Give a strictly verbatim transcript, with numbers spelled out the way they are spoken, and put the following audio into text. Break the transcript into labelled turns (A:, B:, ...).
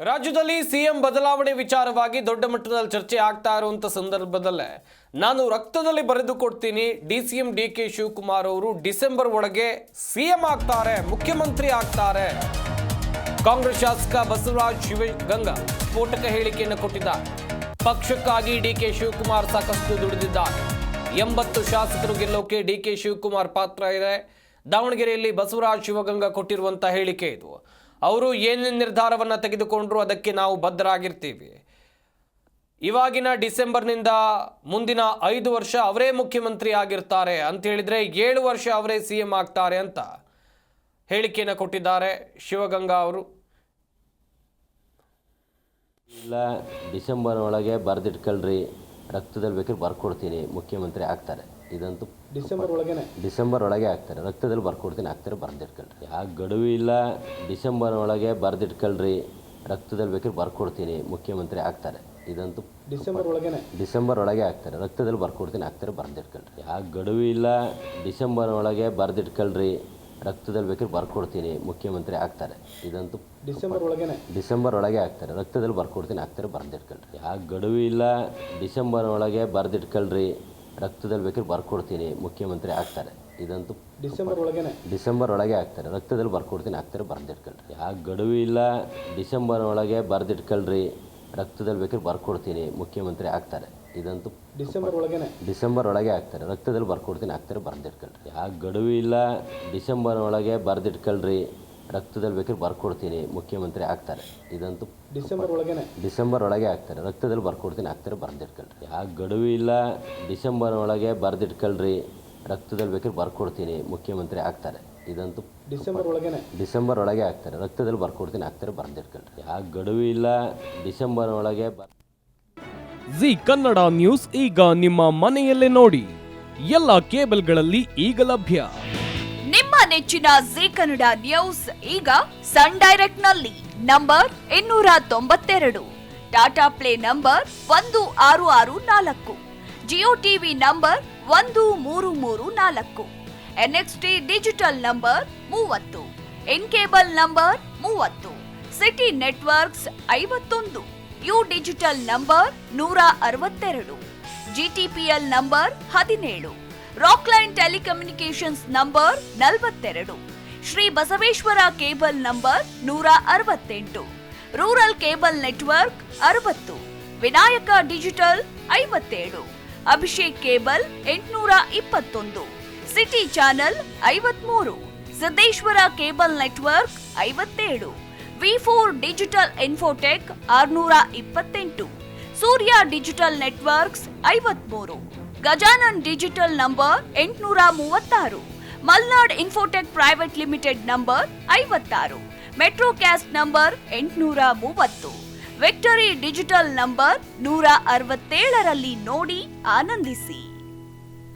A: ರಾಜ್ಯದಲ್ಲಿ ಸಿಎಂ ಬದಲಾವಣೆ ವಿಚಾರವಾಗಿ ದೊಡ್ಡ ಮಟ್ಟದಲ್ಲಿ ಚರ್ಚೆ ಆಗ್ತಾ ಇರುವಂತ ಸಂದರ್ಭದಲ್ಲೇ ನಾನು ರಕ್ತದಲ್ಲಿ ಬರೆದು ಕೊಡ್ತೀನಿ ಡಿಸಿಎಂ ಡಿಕೆ ಶಿವಕುಮಾರ್ ಅವರು ಡಿಸೆಂಬರ್ ಒಳಗೆ ಸಿಎಂ ಆಗ್ತಾರೆ, ಮುಖ್ಯಮಂತ್ರಿ ಆಗ್ತಾರೆ. ಕಾಂಗ್ರೆಸ್ ಶಾಸಕ ಬಸವರಾಜ ಶಿವಗಂಗಾ ಸ್ಫೋಟಕ ಹೇಳಿಕೆಯನ್ನು ಕೊಟ್ಟಿದ್ದಾರೆ. ಪಕ್ಷಕ್ಕಾಗಿ ಡಿಕೆ ಶಿವಕುಮಾರ್ ಸಾಕಷ್ಟು ದುಡಿದಿದ್ದಾರೆ. ಎಂಬತ್ತು ಶಾಸಕರು ಗೆಲ್ಲೋಕೆ ಡಿಕೆ ಶಿವಕುಮಾರ್ ಪಾತ್ರ ಇದೆ. ದಾವಣಗೆರೆಯಲ್ಲಿ ಬಸವರಾಜ ಶಿವಗಂಗಾ ಕೊಟ್ಟಿರುವಂತ ಹೇಳಿಕೆ ಇದು. ಅವರು ಏನೇನು ನಿರ್ಧಾರವನ್ನು ತೆಗೆದುಕೊಂಡ್ರು ಅದಕ್ಕೆ ನಾವು ಬದ್ಧರಾಗಿರ್ತೀವಿ. ಇವಾಗಿನ ಡಿಸೆಂಬರ್ನಿಂದ ಮುಂದಿನ ಐದು ವರ್ಷ ಅವರೇ ಮುಖ್ಯಮಂತ್ರಿ ಆಗಿರ್ತಾರೆ ಅಂತ ಹೇಳಿದ್ರೆ ಏಳು ವರ್ಷ ಅವರೇ ಸಿ ಎಂ ಆಗ್ತಾರೆ ಅಂತ ಹೇಳಿಕೆಯನ್ನು ಕೊಟ್ಟಿದ್ದಾರೆ ಶಿವಗಂಗಾ ಅವರು.
B: ಇಲ್ಲ ಡಿಸೆಂಬರ್ ಒಳಗೆ ಬರೆದಿಟ್ಕೊಳ್ರಿ, ರಕ್ತದಲ್ಲಿ ಬೇಕಾದ್ರೆ ಬರ್ಕೊಡ್ತೀನಿ, ಮುಖ್ಯಮಂತ್ರಿ ಆಗ್ತಾರೆ. ಇದಂತೂ
C: ಡಿಸೆಂಬರ್ ಒಳಗೆ
B: ಡಿಸೆಂಬರ್ ಒಳಗೆ ಆಗ್ತಾರೆ. ರಕ್ತದಲ್ಲಿ ಬರ್ಕೊಡ್ತೀನಿ, ಆಗ್ತಾರೆ, ಬರೆದಿಟ್ಕೊಳ್ರಿ. ಯಾಕೆ ಗಡುವು ಇಲ್ಲ, ಡಿಸೆಂಬರ್ ಒಳಗೆ ಬರೆದಿಟ್ಕೊಳ್ರಿ, ರಕ್ತದಲ್ಲಿ ಬೇಕಾದ್ರೆ ಬರ್ಕೊಡ್ತೀನಿ, ಮುಖ್ಯಮಂತ್ರಿ ಆಗ್ತಾರೆ. ಇದಂತೂ
C: ಡಿಸೆಂಬರ್ ಒಳಗೆ
B: ಡಿಸೆಂಬರ್ ಒಳಗೆ ಆಗ್ತಾರೆ. ರಕ್ತದಲ್ಲಿ ಬರ್ಕೊಡ್ತೀನಿ, ಆಗ್ತಾರೆ, ಬರೆದಿಟ್ಕೊಳ್ರಿ. ಯಾಕೆ ಗಡುವು ಇಲ್ಲ, ಡಿಸೆಂಬರ್ ಒಳಗೆ ಬರೆದಿಟ್ಕೊಳ್ರಿ, ರಕ್ತದಲ್ಲಿ ಬೇಕಾದ್ರೆ ಬರ್ಕೊಡ್ತೀನಿ, ಮುಖ್ಯಮಂತ್ರಿ ಆಗ್ತಾರೆ. ಇದಂತೂ
C: ಡಿಸೆಂಬರ್ ಒಳಗೆ
B: ಡಿಸೆಂಬರ್ ಒಳಗೆ ಆಗ್ತಾರೆ. ರಕ್ತದಲ್ಲಿ ಬರ್ಕೊಡ್ತೀನಿ, ಆಗ್ತಾರೆ, ಬರೆದಿಟ್ಕೊಳ್ರಿ. ಯಾಕೆ ಗಡುವು ಇಲ್ಲ, ಡಿಸೆಂಬರ್ ಒಳಗೆ ಬರೆದಿಟ್ಕೊಳ್ರಿ, ರಕ್ತದಲ್ಲಿ ಬೇಕಾದ್ರೆ ಬರ್ಕೊಡ್ತೀನಿ, ಮುಖ್ಯಮಂತ್ರಿ ಆಗ್ತಾರೆ. ಇದಂತೂ
C: ಡಿಸೆಂಬರ್ ಒಳಗೆ
B: ಡಿಸೆಂಬರ್ ಒಳಗೆ ಆಗ್ತಾರೆ. ರಕ್ತದಲ್ಲಿ ಬರ್ಕೊಡ್ತೀನಿ, ಆಗ್ತಾರೆ, ಬರೆದಿಟ್ಕೊಳ್ರಿ. ಯಾಕೆ ಗಡುವು ಇಲ್ಲ, ಡಿಸೆಂಬರ್ ಒಳಗೆ ಬರೆದಿಟ್ಕೊಳ್ರಿ, ರಕ್ತದಲ್ಲಿ ಬೇಕಾದ್ರೆ ಬರ್ಕೊಡ್ತೀನಿ, ಮುಖ್ಯಮಂತ್ರಿ ಆಗ್ತಾರೆ. ಇದಂತೂ
C: ಡಿಸೆಂಬರ್ ಒಳಗೆ
B: ಡಿಸೆಂಬರ್ ಒಳಗೆ ಆಗ್ತಾರೆ. ರಕ್ತದಲ್ಲಿ ಬರ್ಕೊಡ್ತೀನಿ, ಆಗ್ತಾರೆ, ಬರೆದಿಟ್ಕೊಳ್ರಿ. ಯಾಕೆ ಗಡುವು ಇಲ್ಲ, ಡಿಸೆಂಬರ್ ಒಳಗೆ ಬರೆದಿಟ್ಕೊಳ್ರಿ, ರಕ್ತದಲ್ಲಿ ಬೇಕಾದ್ರೆ ಬರ್ಕೊಡ್ತೀನಿ, ಮುಖ್ಯಮಂತ್ರಿ ಆಗ್ತಾರೆ. ಇದಂತೂ
C: ಡಿಸೆಂಬರ್ ಒಳಗೆ
B: ಡಿಸೆಂಬರ್ ಒಳಗೆ ಆಗ್ತಾರೆ. ರಕ್ತದಲ್ಲಿ ಬರ್ಕೊಡ್ತೀನಿ, ಆಗ್ತಾರೆ, ಬರೆದಿಟ್ಕೊಳ್ರಿ. ಯಾಕೆ ಗಡುವು ಇಲ್ಲ, ಡಿಸೆಂಬರ್ ಒಳಗೆ ಬರೆದಿಟ್ಕೊಳ್ರಿ, ರಕ್ತದಲ್ಲಿ ಬೇಕಾದ್ರೆ ಬರ್ಕೊಡ್ತೀನಿ, ಮುಖ್ಯಮಂತ್ರಿ ಆಗ್ತಾರೆ. ಇದಂತೂ
C: ಡಿಸೆಂಬರ್ ಒಳಗೆ
B: ಡಿಸೆಂಬರ್ ಒಳಗೆ ಆಗ್ತಾರೆ. ರಕ್ತದಲ್ಲಿ ಬರ್ಕೊಡ್ತೀನಿ, ಆಗ್ತಾರೆ, ಬರೆದಿಟ್ಕೊಳ್ರಿ. ಯಾಕೆ ಗಡುವು ಇಲ್ಲ, ಡಿಸೆಂಬರ್ ಒಳಗೆ ಬರ್
D: ಜಿ ಕನ್ನಡ ನ್ಯೂಸ್ ಈಗ ನಿಮ್ಮ ಮನೆಯಲ್ಲೇ ನೋಡಿ. ಎಲ್ಲ ಕೇಬಲ್ಗಳಲ್ಲಿ ಈಗ ಲಭ್ಯ.
E: ನಿಮ್ಮ ನೆಚ್ಚಿನ ಜಿ ಕನ್ನಡ ನ್ಯೂಸ್ ಈಗ ಸನ್ ಡೈರೆಕ್ಟ್ ನಲ್ಲಿ ನಂಬರ್ ಇನ್ನೂರ ತೊಂಬತ್ತೆರಡು, ಟಾಟಾ ಪ್ಲೇ ನಂಬರ್ ಒಂದು ಆರು ಆರು ನಾಲ್ಕು, ಜಿಯೋ ಟಿವಿ ನಂಬರ್ ಒಂದು ಮೂರು ಮೂರು ನಾಲ್ಕು, ಎನ್ಎಕ್ಸ್ಟಿ ಡಿಜಿಟಲ್ ನಂಬರ್ ಮೂವತ್ತು, ಇನ್ ಕೇಬಲ್ ನಂಬರ್ ಮೂವತ್ತು, ಸಿಟಿ ನೆಟ್ವರ್ಕ್ಸ್ ಐವತ್ತೊಂದು, ಯು ಡಿಜಿಟಲ್ ನಂಬರ್ ನೂರ ಅರವತ್ತೆರಡು, ಜಿಟಿಪಿಎಲ್ ನಂಬರ್ ಹದಿನೇಳು, ರಾಕ್ಲೈನ್ ಟೆಲಿಕಮ್ಯುನಿಕೇಶನ್ಸ್ ನಂಬರ್ ನಲವತ್ತೆರಡು, ಶ್ರೀ ಬಸವೇಶ್ವರ ಕೇಬಲ್ ನಂಬರ್ ನೂರ ಅರವತ್ತೆಂಟು, ರೂರಲ್ ಕೇಬಲ್ ನೆಟ್ವರ್ಕ್ ಅರವತ್ತು, ವಿನಾಯಕ ಡಿಜಿಟಲ್ ಐವತ್ತೇಳು, ಅಭಿಷೇಕ್ ಕೇಬಲ್ ಎಂಟುನೂರ ಇಪ್ಪತ್ತೊಂದು, ಸಿಟಿ ಚಾನೆಲ್ ಐವತ್ಮೂರು, ಸಿದ್ದೇಶ್ವರ ಕೇಬಲ್ ನೆಟ್ವರ್ಕ್ ಐವತ್ತೇಳು, ವಿ ಫೋರ್ ಡಿಜಿಟಲ್ ಇನ್ಫೋಟೆಕ್ ಆರುನೂರ ಇಪ್ಪತ್ತೆಂಟು, ಸೂರ್ಯ ಡಿಜಿಟಲ್ ನೆಟ್ವರ್ಕ್ಸ್ ಐವತ್ಮೂರು, ಗಜಾನನ್ ಡಿಜಿಟಲ್ ನಂಬರ್ ಎಂಟುನೂರ ಮೂವತ್ತಾರು, Malnad infotech private limited number ಐವತ್ತಾರು, ಮೆಟ್ರೋಕ್ಯಾಸ್ಟ್ ನಂಬರ್ ಎಂಟುನೂರ ಮೂವತ್ತು, ವಿಕ್ಟರಿ ಡಿಜಿಟಲ್ ನಂಬರ್ ನೂರ ಅರವತ್ತೇಳರಲ್ಲಿ ನೋಡಿ ಆನಂದಿಸಿ.